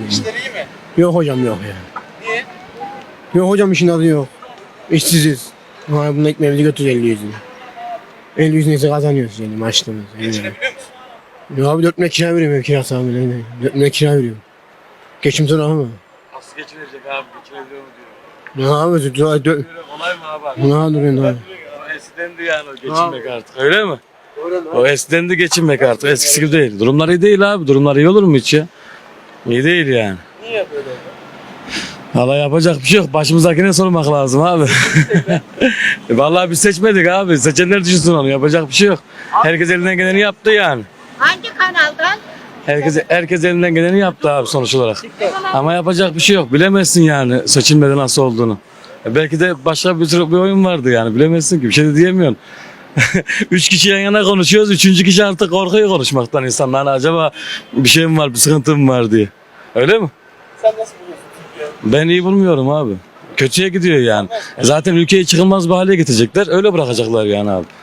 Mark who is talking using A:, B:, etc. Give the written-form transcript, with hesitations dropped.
A: İşler iyi mi?
B: Yok hocam yok ya.
A: Niye?
B: Yok hocam işin adı yok. İşsiziz. Ha, bunun ekmeğimizi götürüyoruz 50 yüzünü. 50 yüzünü ise kazanıyoruz yani maaşlarımız.
A: Geçinebiliyor musun?
B: Ya abi 4 milyon kira veriyorum ev kirası abi. 4 milyon kira veriyorum. Geçim zor ama.
A: Nasıl geçinecek abi? Geçinebiliyor mu diyor.
B: Ne abi?
A: Kolay mı abi?
B: Ne duruyorsun abi?
A: Eskiden de yani o geçinmek artık öyle mi? O eskiden de geçinmek artık eskisi gibi değil. Durumlar iyi değil abi. Durumlar iyi olur mu hiç ya? İyi değil yani.
C: Niye böyle?
A: Valla yapacak bir şey yok. Başımızdakine sormak lazım abi. Vallahi biz seçmedik abi. Seçenler düşünsün onu. Yapacak bir şey yok. Herkes elinden geleni yaptı yani.
D: Hangi kanaldan?
A: Herkes elinden geleni yaptı abi sonuç olarak. Ama yapacak bir şey yok. Bilemezsin yani seçilmede nasıl olduğunu. Belki de başka bir oyun vardı yani. Bilemezsin ki. Bir şey de diyemiyorsun. 3 kişi yan yana konuşuyoruz. 3. kişi artık korkuyor konuşmaktan insanlar. Hani acaba bir şey mi var, bir sıkıntı mı var diye. Öyle mi?
C: Sen nasıl buluyorsun Türkiye?
A: Ben iyi bulmuyorum abi. Kötüye gidiyor yani. Zaten ülkeyi çıkılmaz bir hale getirecekler. Öyle bırakacaklar yani abi.